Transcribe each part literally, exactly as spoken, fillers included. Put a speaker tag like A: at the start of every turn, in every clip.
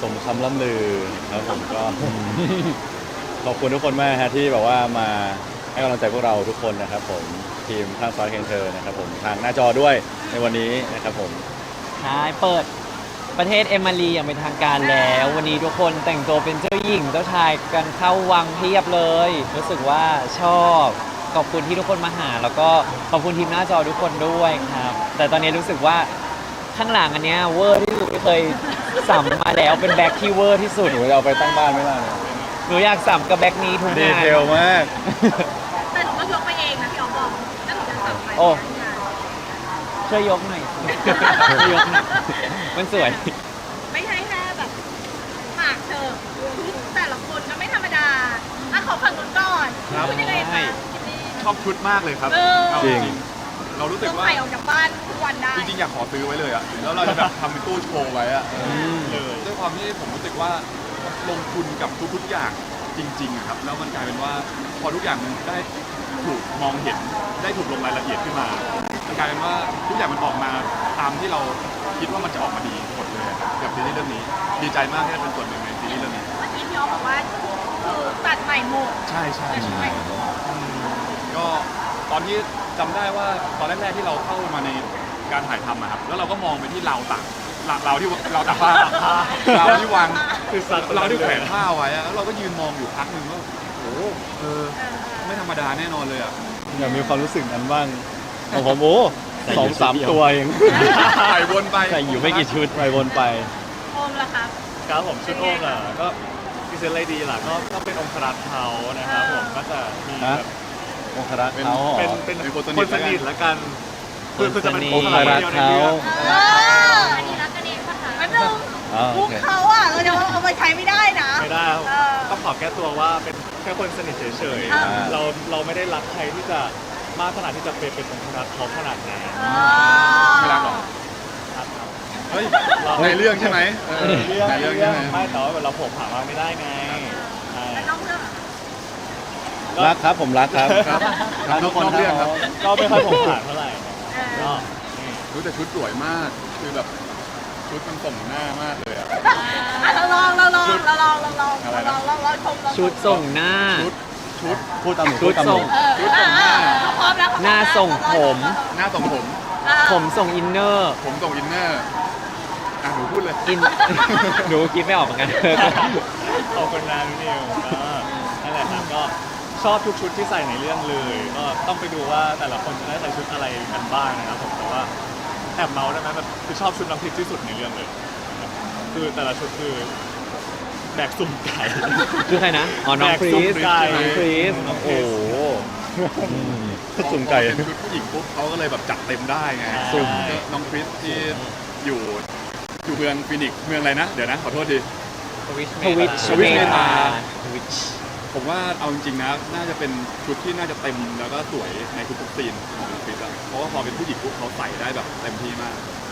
A: สมคำล่ำลือครับผมก็ ขอบคุณทุกคนมากฮะที่แบบว่ามาให้กำลังใจพวกเราทุกคนนะครับผมทีมข้างฟ้าเคนเธอนะครับผมทางหน้าจอด้วยในวันนี้นะครับผม
B: ใช่เปิดประเทศเอมารีอย่างเป็นทางการแล้ว วันนี้ทุกคนแต่งตัวเป็นเจ้าหญิงเจ้าชายกันเข้าวังเพียบเลย รู้สึกว่าชอบขอบคุณที่ทุกคนมาหา แล้วก็ขอบคุณทีมหน้าจอทุกคนด้วยครับ แต่ตอนนี้รู้สึกว่าข้างหลังอันเนี้ยเวอร์ที่สุดที่เคยสัมมาแล้วเป็นแบ็คที่เวอร์ที่สุด
A: หนูจะเอาไปตั้งบ้านไม่ได้เลย
B: หนูอยากสัมกับแบ็คนี้ทุก
A: ดี
B: งาน
A: เทลมาก
C: แต่หนูก็ยกไปเองนะพี่อ๋อมบอกแล้วหนูจะสั่งไป
B: โอ้
C: ที่งาน
B: ช่วยยกหน่อยช่วยยกหน่อยมันสวย
C: ไม่ใช่แค่แบบหมากเธอแต่ละคนก็ไม่ธรรมดาอ่ะขอฝั่งนู้นก่อน
D: ครับ
C: คุณยังไงคะคิดดี
D: ชอบชุดมากเลยครับ
C: เออ
D: เอา
A: จริง
D: เรารู้สึ
C: ต้
D: ก
C: อง
D: ว่า
C: ใส่ออกจากบ้านทุกวันได้
D: จริงๆอยากขอซื้อไว้เลยอะแล้วเราจะแบบทำเป็นตู้โชว์ไว้อะ
B: ม
D: เลยด้วยความที่ผมรู้สึกว่าลงทุนกับทุกๆอย่างจริงๆอะครับแล้วมันกลายเป็นว่าพอทุกอย่างมันได้ถูกมองเห็นได้ถูกลงรายละเอียดขึ้นมามันกลายเป็นว่าทุกอย่างมันออกมาตามที่เราคิดว่ามันจะออกมาดีหมดเลยอะครับกับซีรีส์เรื่องนี้ดีใจมากที่ได้เป็นส่วนหนึ่งในซีรีส์เรื่องนี้
C: เมื่อกี้พี่อ๋อบอกว่าคือตัดใหม่หมด
D: ใช่ใช่
C: ตัด
D: ใช่
C: ใหม่หมด
D: อืมก็ตอนที่จำได้ว่าตอนแรกๆที่เราเข้ามาในการถ่ายทำอะครับแล้วเราก็มองไปที่เราวตักเราเราที่เราตักผ้าเราที่วางคือเราที่แขวนผ้าไว้อะแล้วเราก็ยืนมองอยู่พักหนึ่งว่าโอ้โหเออไม่ธรรมดาแน่นอนเลยอ่ะ
A: อยากมีความรู้สึกนั้นบ้างของผมโอ้สองสามตัวเอง
D: ใส่วนไป
B: ใส่อยู่ไม่กี่ชุด
A: ไปวนไป
C: โอมล่ะครับ
E: ครับผมชุดโอมอ่ะก็พิเศษอะไรดีล่ะก็ก็เป็นองครักษ์เขานะครับผมก็จะมีแบ
A: ฮะ
E: บ
A: องครักษ์
D: เป็น
A: เขาเหรอ
E: เป็นเป็น
D: เป็นคนสนิท
E: คนสนิทละกันคือคือจะเป็น
B: คนสนิท
E: องครักษ์เดียวในเรื่อง
C: เอออันนี้รักกันเองปะคะแป๊บนึง
A: อ๋อโอ
C: มุก
A: เค
C: เขาอ่ะเราจะเอาไปใช้ไม่ได้นะ
E: ไม่ได้ครับ
C: เออ
E: ต้องขอแก้ตัวว่าเป็นแค่คนสนิทเฉย
C: อ่า
E: ๆเราเราไม่ได้รักใครที่จะมากขนาดที่จะเป็นเป็นองครักษ์เขาขนาดนั้น
C: เออ
D: ไม่รักหรอก
E: ครับ
D: เฮ้ยในเรื่องใช่ไหมเออ
E: เรื่อง
D: ในเรื่องใช่ไหม
E: ไม่แต่ว่าเราผมหามาไม่ได้ไงใช่
C: แล้วนอกเรื่องอะ
A: รักครับผมรักครับ
D: ครับ
A: รักทุกคน
D: นอกเรื่องครับ
E: ก็ไม่ค่อยผมผ่านเท่าไหร่
C: เออ
E: ก็นี่
D: รู้แต่ชุดสวยมากคือแบบชุดมันส่งหน้ามากเลยอ่ะ
C: อ่ะเราลองเราลอง
D: ชุด
C: เราลองเราลอง
D: อะไร
C: เรา
D: นะ
C: ลองเราลองชมเราชม
B: ชุดส่งหน้า
D: ชุดชุด
A: พูดตามหนู
B: ชุ
A: พู
B: ด
A: ดตามหนู
B: ส่ง
C: เออ
D: ชุดส่งหน้า
C: เออพร้อมแล้วพร้อมแล้ว
B: หน้าส่งผม
D: หน้าส่งผม
C: เออ
B: ผมส่งอินเนอร์
D: ผมส่งอินเนอร์อ่ะหนูพูดเลย
B: อิน หนูคิดไม่ออกเหมือนกัน
E: ขอบคุณนะพี่นิวก็นั่นแหละครับก็ชอบทุกชุดที่ใส่ในเรื่องเลยก็ต้องไปดูว่าแต่ละคนจะได้ใส่ชุดอะไรกันบ้างนะครับผมแต่ว่าแอบเมาส์ได้ไหมแบบคือชอบชุดน้ำพริกที่สุดในเรื่องเลยคือแต่ละชุดคือแบกสุ่มไก่
B: คือใครนะ อ๋อ น้อง
E: แบก
B: คริ
E: สุ่ม
B: ส
E: ไก่
B: น้องคริส
E: น้องค
B: โอ้
E: ริส
B: โห
A: สุ่มไก่
D: พอเป็นชุดผู้หญิงปุ๊บเขาก็เลยแบบจัดเต็มได้ไง
E: สุ่
D: สุ่ม
E: ม
D: น้องคริสที่อยู่อยู่เมืองฟินิกซ์เมืองอะไรนะ เดี๋ยวนะขอโทษที
B: ทวิช
D: ทวิชเมธา
B: ทวิช
D: ผมว่าเอาจริงๆนะน่าจะเป็นชุดที่น่าจะเต็มแล้วก็สวยในทุกๆซีนของน้องคริสอะเพราะว่าพอเป็นผู้หญิงปุ๊บเขาใส่ได้แบบเต็มที่มาก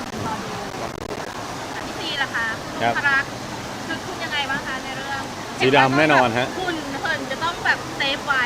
C: พี่ซีล่ะคะคุณ
A: ครับ
C: พรักคือคุณยังไงบ้างคะในเรื่อง
A: สีดำแน่นอนฮะ
C: คุณเพิ่นจะต้องแบบเซฟไว้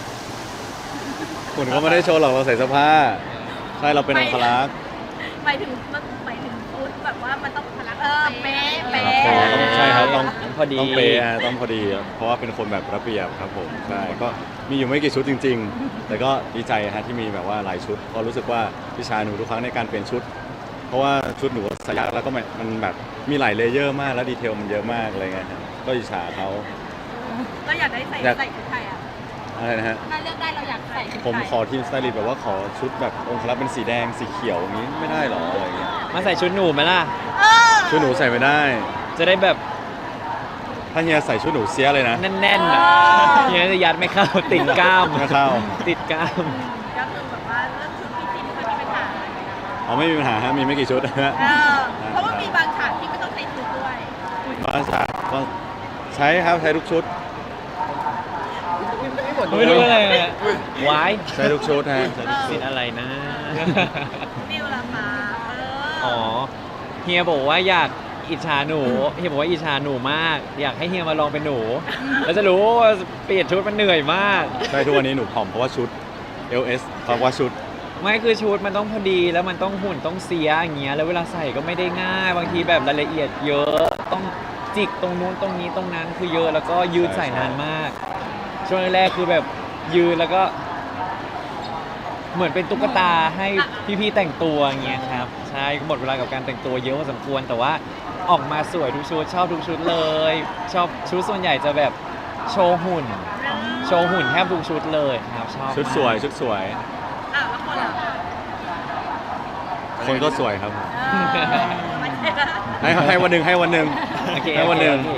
A: คุณก็ไม่ได้โชว์หรอกเราใส่เสื้อผ้าใช่เราเป็นองครักษ์
C: หมายถึงมันหมายถึงฟุตแบบว่ามันต้องพลักเออเป๊ะเป๊ะ
A: อ๋อต้องใช่ครับต้อง
B: พอดี
A: ต้องเปย์ฮะต้องพอดี เพราะว่าเป็นคนแบบระเบียบครับผมใช่ก็มีอยู่ไม่กี่ชุดจริง ๆ แต่ก็ดีใจฮะที่มีแบบว่าหลายชุดเพราะรู้สึกว่าพี่ชายหนูทุกครั้งในการเปลี่ยนชุด เพราะว่าชุดหนูใส่ยากแล้วก็มันมันแบบมีหลายเลเยอร์มากแล้วดีเทลมันเยอะมากอะไรเงี้ยครับก็อิจฉาเขา
C: เราอยากได้ใส่
A: อยาก
C: ใส่ชุดไทยอ่ะ
A: อะไรนะฮะ
C: ถ้าเลือกได้เราอยากใส่ชุดไทย
A: ผมขอทีมสไตลิสต์แบบว่าขอชุดแบบองครักษ์เป็นสีแดงสีเขียวอย่างนี้ไม่ได้หรออะไรเงี้ย
B: มาใส่ชุดหนูไหมล่ะ
C: เออ
A: ชุดหนูใส่ไม่ได้
B: จะได้แบบ
A: ถ้าเฮียใส่ชุดหนูเสียเลยนะ
B: แน่นๆอ่ะเฮียจะยัดไม่เข้า ติดกล้าม
A: ไม่เข้า
B: ติดกล้าม
C: ก็คือแบบว่าเรื่องชุดพี่ซีไม่ค่อยมีปัญหา
A: อ๋อไม่มีปัญหาฮะมีไม่กี่ชุดนะฮะ
C: เออเพราะว่ามีบางฉากที่ไม่ต้องใส่ชุดด้วย
A: บางฉากก็ใช้ครับใช้ทุกชุด
B: ไม่รู้อะไรเลยวาย
A: ใช้ทุกชุดฮะใช้ทุกชุ
B: ติ
A: ด
B: ดอะไรนะ
C: นิวล่ะคะเออ
B: อ๋อ เฮียบอกว่าอยากอิจฉาหนู เฮียบอกว่าอิจฉาหนูมาก อยากให้เฮียมาลองเป็นหนู แล้วจะรู้ว่าเปลี่ยนชุดมันเหนื่อยมาก
A: ใช่ทุกวันนี้หนูผอมเพราะว่าชุด เอล เอส เพราะว่าชุด
B: ไม่คือชุดมันต้องพอดีแล้วมันต้องหุ่นต้องเสียอย่างเงี้ยแล้วเวลาใส่ก็ไม่ได้ง่าย บางทีแบบรายละเอียดเยอะต้องจิกตรงนู้นตรงนี้ตรงนั้นคือเยอะแล้วก็ยืนใส่นานมาก ช่วงแรกๆคือแบบยืนแล้วก็ เหมือนเป็นตุ๊กตาให้พี่ๆแต่งตัวอย่างเงี้ยครับใช่หมดเวลากับการแต่งตัวเยอะพอสมควรแต่ว่าออกมาสวยทุกชุดชอบทุกชุดเลย ชอบชุดส่วนใหญ่จะแบบโชว์หุ่น โชว์หุ่นแทบทุกชุดเลยครับชอบ
A: ชุดสวย
B: มาก
A: ชุดสวย
C: อ้าวแล้วคนล่ะ
A: คนก็สวยครับ
C: เออมันเยอะ
A: ให้ให้วันหนึ่งให้วันหนึ่ง
B: โอเค
A: ให้วันหนึ่ง
B: โอเค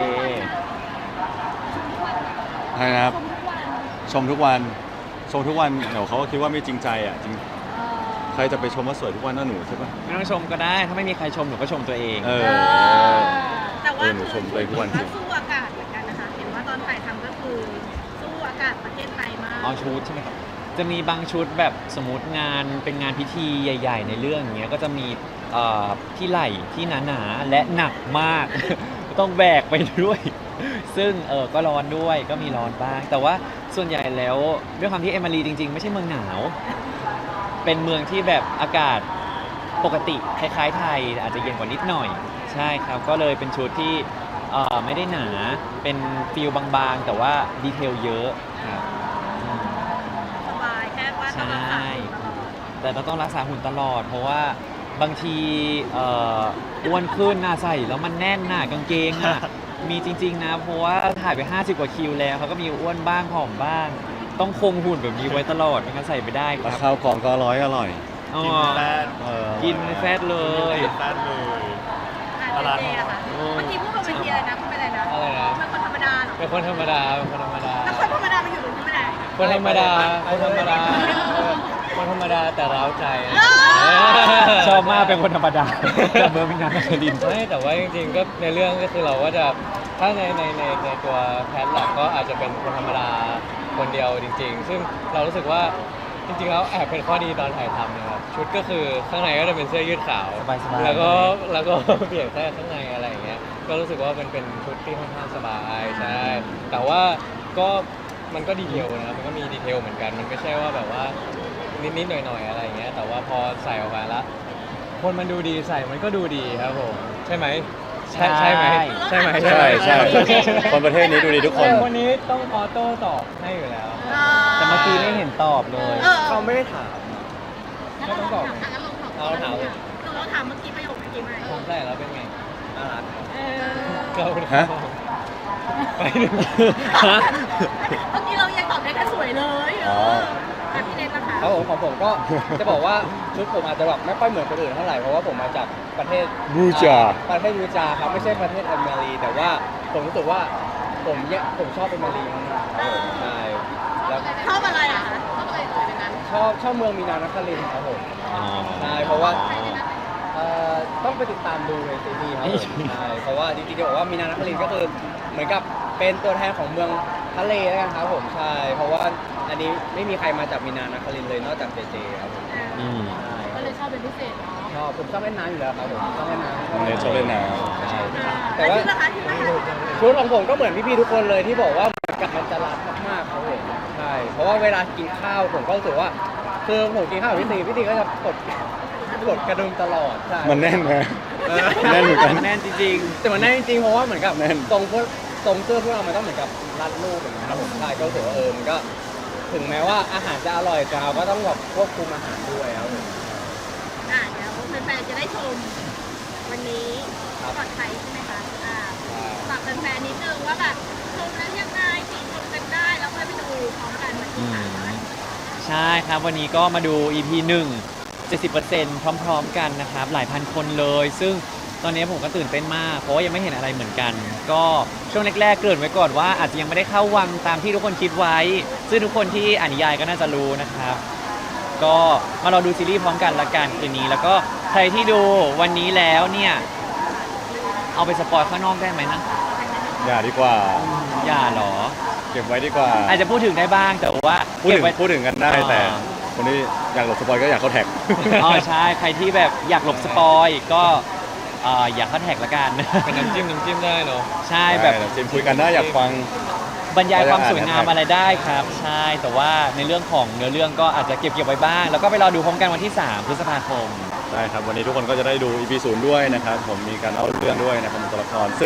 A: ให้นะครับ ชมทุกวันชมทุกวันเดี๋ยวเขาก็คิดว่าไม่จริงใจอ่ะจริงใครจะไปชมว่าสวยทุกวันน่าหนูใช่ปะ
B: ไม่ต้องชมก็ได้ ถ้าไม่มีใครชมหนูก็ชมตัวเอง
A: เอ
C: เอ
A: อ
C: อแต่ว่า
A: เออหนูชมตัวเองทุกวันจริง
C: สู้อากาศเหมือนกันนะคะ เห็นว่าตอนถ่ายทำก็คือสู้อากาศประเทศไทยมาก
B: เอาชุดใช่ไหมครับ จะมีบางชุดแบบสมมติงานเป็นงานพิธีใหญ่ ๆ ในเรื่องอย่างเงี้ยก็จะมีเอ่อที่ไหล่ที่หนาๆและหนักมาก ต้องแบกไปด้วย ซึ่งเออก็ร้อนด้วยก็มีร้อนบ้าง แต่ว่าส่วนใหญ่แล้วด้วยความที่เอมารีจริง ๆ ไม่ใช่เมืองหนาว เป็นเมืองที่แบบอากาศปกติคล้ายๆไทยอาจจะเย็นกว่านิดหน่อย ใช่ครับก็เลยเป็นชุดที่เอ่อไม่ได้หนาเป็นฟิลบางๆ แต่ว่าดีเทลเยอะครับอืม
C: สบายแค่ว่าต้องรักษาสุขภาพ
B: แต่เราต้องรักษาหุ่นตลอด เพราะว่าบางทีเอ่ออ้วนขึ้นน่ะใส่แล้วมันแน่นน่ะกางเกงอ่ะ มีจริง ๆ นะ เพราะว่าถ่ายไป ห้าสิบ กว่าคิวแล้วเขาก็มีอ้วนบ้างผอมบ้าง ต้องคงหุ่นแบบนี้ไว้ตลอดไม่งั้นใส่ไม่ได้ค
A: รา
B: รับ
A: คาวกล่องก็ร้อยอร่อย
B: อ๋อ
E: กินแป้ง
A: เออ
B: กินแฟตเลย
E: กินแป้งเลย
C: อ่ะเจเจอะค่ะเมื่อกี้พูดบนเวทีอะไรนะพูดไปอะไรนะ
B: อะไรนะ
C: เป็นคนธรรมดาเหรอ
B: เป็นคนธรรมดาเป็นคนธรรมดา
C: แล้วคนธรรมดามันอยู่ตรงนี้ไม่ได้
B: คนธรรมดาคนธรรมดาคนธรรมดาแต่ร้าวใจ ชอบมากเป็นคนธรรมดาแต่เบอร์มินานครินทร์
F: ไม่แต่ว่าจริงๆก็ในเรื่องก็คือเราก็จะถ้าในในในในตัวแพทหลักก็อาจจะเป็นคนธรรมดาคนเดียวจริง ๆ ซึ่งเรารู้สึกว่าจริงๆแล้วแอบเป็นข้อดีตอนถ่ายทำนะครับชุดก็คือข้างในก็จะเป็นเสื้อยืดขาว
B: สบายๆ
F: แล้วก็แล้วก็ เปลี่ยนแค่ข้างในอะไรอย่างเงี้ยก็รู้สึกว่ามันเป็นชุดที่ค่อนข้างสบายใช่แต่ว่าก็มันก็ดีเทลนะมันก็มีดีเทลเหมือนกัน มันไม่ใช่ว่าแบบว่านิดๆหน่อยๆอะไรอย่างเงี้ยแต่ว่าพอใส่ออกมาละคนมันดูดีใส่มันก็ดูดีครับผมใช่ไหมใช่ใช่ไหมใช่ไหม
A: ใช่ใช่คนประเทศนี้ดูดีทุกคน
F: แต่คนนี้ต้องออโต้ตอบให้อยู่แล้ว
B: แต่เมื่อกี้ไม่เห็นตอบเลย
C: เออ
F: เขาไม่ได้ถาม
C: งั้นเราลองถามงั้นลองถาม
F: เอาถามเลย
C: เราลองถามเมื่อกี้ประโยคเมื่อกี้ไหม
F: ผมใส่แล้วเป็นไงน่ารัก
C: เออ
F: ก็เป็น
A: ฮะ
F: ไปหนึ่ง
C: เมื่อกี้เรายังตอบได้แค่สวยเลยเอ
A: อ๋อ
C: อแต่พี่เนทนะคะ
F: ครับผมของผมก็จะบอกว่าชุดผมอาจจะแบบไม่ค่อยเหมือนคนอื่นเท่าไหร่เพราะว่าผมมาจากประเทศ
A: บูจา
F: ประเทศบูจาครับไม่ใช่ประเทศเอเมรีแต่ว่าผมรู้สึกว่าผมเนี่ยผมชอบเอเมรีมากๆครับผมใช่แล้ว
C: ชอบอะไรอ่ะคะชอบอะไรเลยในนั้น
F: ชอบชอบเมืองมีนานครินทร์ครับผม
B: อ๋อ
F: ใช่เพราะว่าเอ่อต้องไปติดตามดูในซีรีส์ครับผมใช่เพราะว่าจริงๆจะบอกว่ามีนานครินทร์ก็คือเหมือนกับเป็นตัวแทนของเมืองทะเลแล้วกันครับผมใช่เพราะว่าอันนี้ไม่มีใครมาจากมีนานครินทร์เลยนอกจากเจเจครับผม
B: อืม
F: ใช่
C: ก็เลยชอบเป็นพิเศษเนาะ
F: ชอบผมชอบเล่นน้ำอยู่แล้วครับผมชอบเล่นน้ำ
A: เนทชอบเล่นน้
F: ใช่
C: แต่ว่าชุดนะคะชุดนะคะ
F: ชุดของผมก็เหมือนพี่ๆทุกคนเลยที่บอกว่าเหมือนกับมันจะรัดมากๆครับผมใช่เพราะว่าเวลากินข้าวผมก็รู้สึกว่าคือผมกินข้าวกับพี่ตีพี่ตีก็จะกดกดกระดุมตลอดใช่
A: ำมันแน่นนะ
F: เออ
A: แน่นเหมือนกัน
B: แน่นจริง
F: แต่มันแน่นจริงๆเพราะว่าเหมือนกับ
A: แน่น
F: ตรงพวกตรงเสื้อพวกเรามันต้องเหมือนกับรัดรูปอย่างนี้ยครับผมใช่ก็รู้สึกว่าเออมันก็ถึงแม้ว่าอาหารจะอร่อยแต่เราก็ต้องแบบควบคุมอาหารด้วยครับผม
C: อ่าเดี๋ยวแฟนๆจะได้ชมวันนี้ก่อนไทยใช่ไหมคะอ่าฝากแฟนๆนิดนึงว่าแบบชมแล้วยังไงติชมกันได้แล้วค่อยไปดูพร้อมกันวันที่สาม
B: ใช่ครับวันนี้ก็มาดู อี พี หนึ่ง เจ็ดสิบเปอร์เซ็นต์ พร้อม ๆ กันนะครับ หลายพันคนเลย ซึ่งตอนนี้ผมก็ตื่นเต้นมาก เพราะว่ายังไม่เห็นอะไรเหมือนกัน ก็ช่วงแรกๆเกริ่นไว้ก่อนว่าอาจจะยังไม่ได้เข้าวังตามที่ทุกคนคิดไว้ ซึ่งทุกคนที่อ่านนิยายก็น่าจะรู้นะครับ ก็มารอดูซีรีส์พร้อมกันละกันคืนนี้ แล้วก็ใครที่ดูวันนี้แล้วเนี่ยเอาไปสปอยข้างนอกได้ไหมนะ
A: อย่าดีกว่า
B: อย่าหรอ
A: เก็บไว้ดีกว่า
B: อาจจะพูดถึงได้บ้างแต่ว่า
A: พูด
B: เก็
A: ถึ
B: บ
A: ง
B: ไว้
A: พูดถึงกันได้
B: อ่า
A: แต่คนที่อยากหลบสปอยก็อยากเข้าแท็ก
B: อ๋อใช่ใครที่แบบอยากหลบสปอยก็เอ่ออย่าเข้าแท็กละกัน
F: เป็นน้ำจิ้มน้ำจิ้มได้เนาะ
B: ใช่แบบ
A: ได้จิมคุยกันได้อยากฟัง
B: บรรยายความสวยงามอะไรได้ครับ ใช่แต่ว่าในเรื่องของเนื้อเรื่องก็อาจจะเก็บเก็บไว้บ้าง แล้วก็ไปรอดูพร้อมกันวันที่สามพฤษภาคม
A: ได้ครับ วันนี้ทุกคนก็จะได้ดู อี พี ศูนย์ด้วยนะครับ ผมมีการเล่าเรื่องด้วยนะครับเป็นตัวละคร ซึ่ง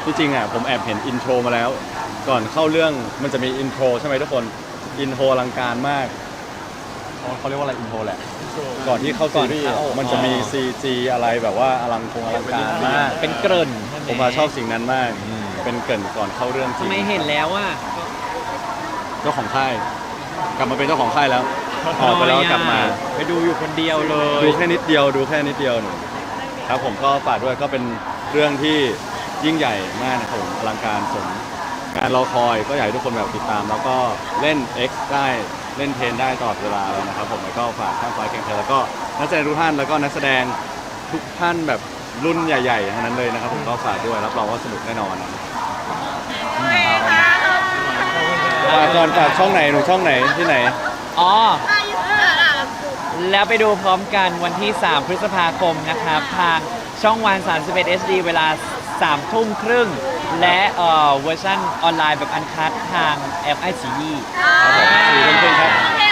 A: ที่จริงอ่ะผมแอบเห็นอินโทรมาแล้ว ก่อนเข้าเรื่องมันจะมีอินโทรใช่ไหมทุกคนอินโทรอลังการมากเขาเขาเรียกว่าอะไรอินโทรแหละ ก่อนที่เข้าซีรีส์อะมันจะมี ซี จี อะไรแบบว่าอลังคงอลังการมาก
B: เป็นเกริ่นใช่ไหม
A: ผมมาชอบสิ่งนั้นมาก เป็นเกรินก่อนเข้าเรื่องจริ
B: ทำ
A: ง
B: ไมเห็นแล้วอ่ะ
A: เจ้าของค่าย กลับมาเป็นเจ้าของค่ายแล้วออกไปแล้วกลับมา
B: ไปดูอยู่คนเดียวเลย
A: ดูแค่นิดเดียวดูแค่นิดเดียวหนูครับผมก็ฝากด้วยก็เป็นเรื่องที่ยิ่งใหญ่มากนะครับผมอลังการสมการรอคอยก็อยากให้ทุกคนแบบติดตาม แล้วก็เล่น X ได้เล่นเทนได้ตลอดเวลาเลยนะครับผมแล้วก็ฝากข้ามฟ้าแข่งเธอแล้วก็นักแสดงทุกท่านแล้วก็นักแสดงทุกท่านแบบรุ่นใหญ่ๆทั้งนั้นเลยนะครับผมก็ฝากด้วยรับรองว่าสนุกแน่นอน
C: โอเคค่ะ
A: ฝากก่อนฝากช่องไหนหนูช่องไหนที่ไหน
B: อ๋อ
C: อายุเท่าไหร่ล่ะ
B: แล้วไปดูพร้อมกันวันที่ สาม พฤษภาคมนะครับ ทางช่องวัน สามสิบเอ็ด เอช ดี เวลา สามทุ่มครึ่ง และเอ่อเวอร์ชันออนไลน์แบบอันคัดทางแอปไอซี
A: ครับผมสี่ทุ่มครึ่งครับ
C: โอเค